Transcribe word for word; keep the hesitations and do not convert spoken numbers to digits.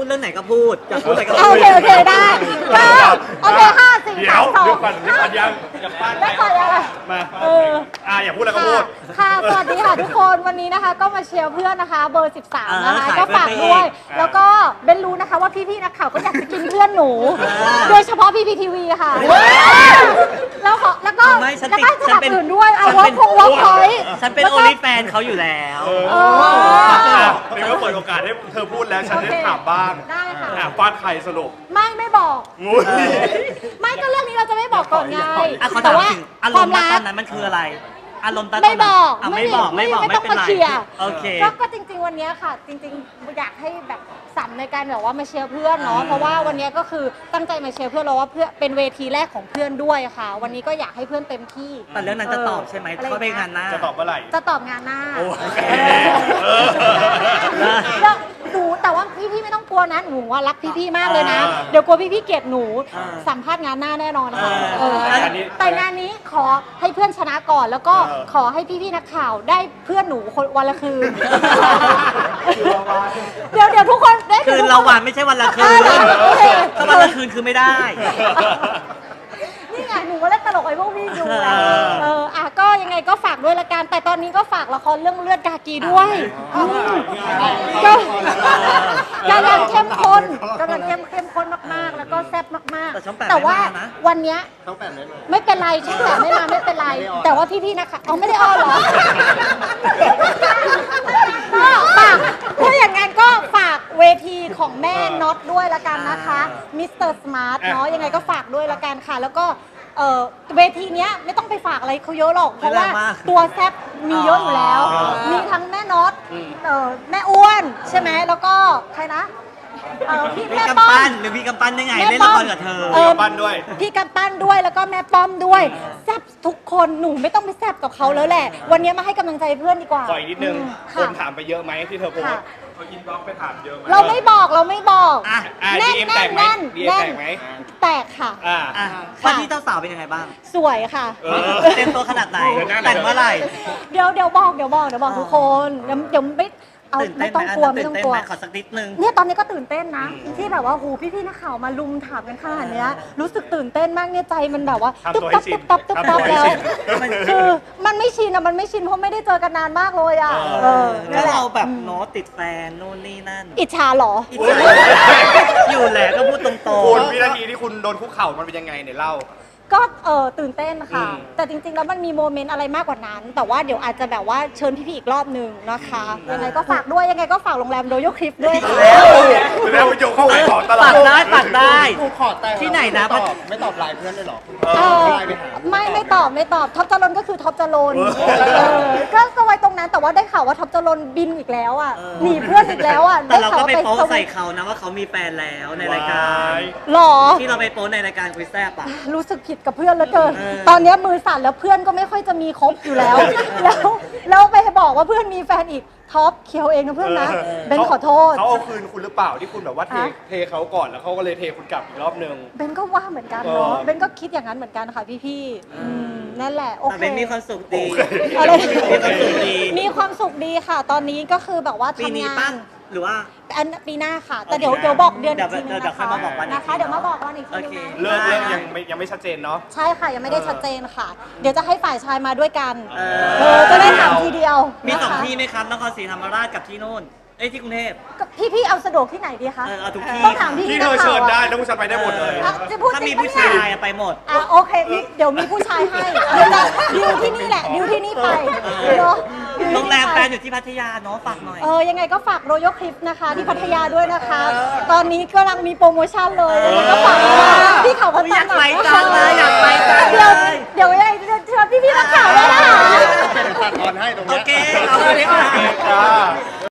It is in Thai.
ดเรื่องไหนก็พูดอยากพูดอะไรก็โอพูดเคโอเคได้ก็โอเคห้าสี่เดี๋ยสาว มสองเดี๋ยวก่อนเดี๋ยวก่อนยังอย่าปั้นได้ก่อนอะไรมาเอออ่าอย่าพูดแล้วก็พูดค่ะสวัสดีค่ะทุกคนวันนี้นะคะ ก็มาเชียร์เพื่อนนะคะ เบอร์สิบสามนะคะอ่าก็ฝากด้วยอ่าแล้วก็เบนรู้นะคะว่าพี่ๆนักข่าวก็อยากจะกินเพื่อนหนู โดยเฉพาะพี่พีทีวีค่ะแล้วขอแล้วก็ไม่ฉันแล้วติดก็สฉันนับเป็นสนุนด้วยเอาฉันวอเป็ล์นกวอล์กพอยต์ฉันเป็นโอลิแฟนเขาอยู่แล้วเออเออเดี๋ยวก็เปิดโอกาสให้เธอพูดแล้วฉันได้ถามบ้างได้ค่ะอ่ะฟาดใครสรุปไม่ไม่บอกงูยไม่ก็เรื่องนี้เราจะไม่บอกก่อนไงอ่ะเขาแต่ถามว่าถึงอารความมณ์ณรัตอก นนั้นมันคืออะไร อารมณ์ตอนไม่นั้นบอกอ่ะไม่บอกไม่บอกไม่ต้องเป็นมาไรเคลียร์โอเคก็ก็จริง ๆ วันนี้ค่ะ จริง ๆ อยากให้แบบสัมในการแบบว่ามาเชียร์เพื่อนเนาะอ่าเพราะว่าวันนี้ก็คือตั้งใจมาเชียร์เพื่อนเราว่าเพื่อนเป็นเวทีแรกของเพื่อนด้วยค่ะ วันนี้ก็อยากให้เพื่อนเต็มที่แต่เรื่องนั้นจะตอบใช่ไหมออเขาไปงานหน้าจะตอบเมื่อไหร่จะตอบงานหน้าโอเคเออเออแล้วหนูแต่ว่าพี่ๆไม่ต้องกลัวนะหนูว่ารักพี่ๆมากเลยนะอ่าเดี๋ยวกลัวพี่ๆเกลียดหนูอ่าสัมภาษณ์งานหน้าแน่นอนค่ะเออเออแต่อันนี้แต่งานนี้ขอให้เพื่อนชนะก่อน แล้วก็เออขอให้พี่ๆนักข่าวได้เพื่อนหนูคนวันละคืน เดี๋ยวเดี๋ยวทุกคนได้คืเดี๋ยนทุกละควันไม่ใช่วันละคืนเออโอเคถ้าวันละคืนคือไม่ได้นี่ไงหนูมาเล่นตลกไอ้พวกพี่ดูไงเออเอออ่ะก็ยังไงก็ฝากด้วยละกันแต่ตอนนี้ก็ฝากละครเรื่องเลือดกากีด้วยมก็กำลังเข้มข้นกำลังเข้มเข้มข้นมากๆ แล้วก็แซ่บมากแต่ช่องแปดๆ แต่ว่าไม่มานะวันเนี้ยไม่เป็นไรช่องแปดไม่มาไม่เป็นไร แต่ว่าพี่ๆนะคะเอาไม่ได้อ้อเหรอก็ฝากถ้าอย่างงั้นก็ฝากเวทีของแม่น็อตด้วยละกันนะคะมิสเตอร์สมาร์ทเนาะยังไงก็ฝากด้วยละกันค่ะ แล้วก็เอ่อเวทีเนี้ยไม่ต้องไปฝากอะไรเขาเยอะหรอก เพราะว่าไม่แรงมากตัวแซบมีเยอะอยู่แล้วอ๋อมีทั้งแม่น็อตเอ่อแม่อ้วนใช่ไหมแล้วก็ใครนะเอ่อพี่พี่แม่กำป้อปั้มนหรือพี่กำปั้นได้ไงแม่เล่นป้ละอมครกับเธอเออปั้นด้วยพี่กำปั้นด้วยแล้วก็แม่ป้อมด้วยแซบทุกคนหนูไม่ต้องไปแซบกับเขาแล้วแหละ วันนี้มาให้กำลังใจเพื่อนดีกว่าขออีกนิดนึงอืมคค่ะนถามไปเยอะไหมที่เธอโพสค่ะต์เขาอินบ็อกซ์ไปถามเยอะไหมเราไม่บอกเราไม่บอกอ่ะอ่าแน่ดีนเอ็มแตกไหมแน่นดีเอ็มแน่แตนกไหมแตกค่ะอ่าอ่ะว่าที่เจ้าสาวเป็นยังไงบ้างสวยค่ะเออเต็มตัวขนาดไหนเดี๋ยวนะแต่งเมื่อไหร่เดี๋ยวเดี๋ยวบอกเดี๋ยวบอกเดี๋ยวบอกทุกคนเดี๋ยวเดี๋ยวไม่เอาตื่นไม่เต้นไหมต้องกลัวอันไม่นั้นต้องตื่นกลัวเต้นไหมขอสักนิดนึงเนี่ยตอนนี้ก็ตื่นเต้นนะ ที่แบบว่าหูพี่ๆนักข่าวมาลุมถามกันขนาดเนี้ยรู้สึกตื่นเต้นมากเนี่ยใจมันแบบว่าทำตึ๊บตัวให้ตับชิตึ๊นบตับตึ๊บตับทำตัวให้แล้วชินมันคือมันไม่ชินอะมันไม่ชินเพราะไม่ได้เจอกันนานมากเลยอะเออเออถ้านั่นแหละเราแบบโน้ตติดแฟนโน่นนี่นั่นอิจฉาเหรออิจฉาอยู่แหละก็พูดตรงคุณๆวินาทีที่คุณโดนคุกเข่ามันเป็นยังไงเนี่ยเล่าก็เออตื่นเต้นค่ะอืมแต่จริงๆแล้วมันมีโมเมนต์อะไรมากกว่านั้น แต่ว่าเดี๋ยวอาจจะแบบว่าเชิญพี่ๆอีกรอบหนึ่งนะคะยังไงก็ฝากด้วยยังไงก็ฝากโรงแรมโดโยคลิปด้วยค่ะแล้วโยกเข้าไปของตลอปัดกได้ปักได้กูขอแต่งที่ไหนนะไม่ตอบไม่ตอบไลน์เพื่อนเลยเหรอเออไลน์ไปหาไม่ไม่ตอบไม่ตอบท็อปจรนก็คือท็อปจรนเออเออก็ก็ไว้ตรงนั้นแต่ว่าได้ข่าวว่าท็อปจรนบินอีกแล้วอ่ะเออหนีเพื่อนอีกแล้วอ่ะแต่เราก็ไปด้โป๊ข่วว่ใส่เขานะว่าเขามีแฟนแล้วในรายการหรอที่เราไปโป๊ในรายการคุยแซ่บอ่ะรู้สึกผิดกับเพื่อนเหลือเกินเออตอนเนี้ยมือสั่นแล้วเพื่อนก็ไม่ค่อยจะมีครบอยู่แล้ว แล้วแล้วไปบอกว่าเพื่อนมีแฟนอีกท็อปเคียวเองนะเพื่อนนะเบนขอโทษเขาเอาคืนคุณหรือเปล่าที่คุณแบบว่าเทฮะเทเขาก่อนแล้วเขาก็เลยเทคุณกลับอีกรอบนึงเบนก็ว่าเหมือนกันเนาะเออเบนก็คิดอย่างนั้นเหมือนกันค่ะพี่ๆอืมนั่นแหละโอแต่เคเป็นมีความสุขดีโอเคอะไรมีความสุขดีมีความสุขดีค่ะ ตอนนี้ก็คือแบบว่าปีนี้ทำงาปั้นนหรือว่าอันปีหน้าค่ะ แต่เดี๋ยวโอเคเดี๋ยวบอกเดือนเดี๋อียวกทีนึงเดี๋ยวนะค่อยคะมาบอกวันอีกนะคะทีเดี๋ยวมาบอกวันอีกทีโอนึเคงนะเลิกเลิกยังไม่ยังไม่ชัดเจนเนาะใช่ค่ะยังไม่ได้ชัดเจนค่ะ เดี๋ยวจะให้ฝ่ายชายมาด้วยกันเอเอออจะได้ถามทีเดียวมีสองนะคะที่ไหมครับนครศรีธรรมราชกับที่โน่น เอ้ยที่กรุงเทพก็พี่ๆเอาสะดวกที่ไหนดีคะเออเอาทุกที่ต้องถามพี่ที่ๆเธนัอกข่าเชิวญได้อะแล้วผู้ชายไปได้หมดเลยอ่ะจะพูดถ้าจริมีงปะผู้เนี่ชายยอะไปหมดอ่ะโอเคมีเดี๋ยวมีผู้ชายให้เดี๋ยวจะดิวที่นี่แหละดิวที่นี่ไปเนาะดิวที่นี่ไปโรงแรมแฟนอยู่ที่พัทยาเนาะฝากหน่อยเออยังไงก็ฝากโรโยคลิปนะคะ ที่พัทยาด้วยนะคะ ตอนนี้กำลังมีโปรโมชั่นเลยยังไงก็ฝากด้วยพี่เขาพัฒอยากนาไปจังเล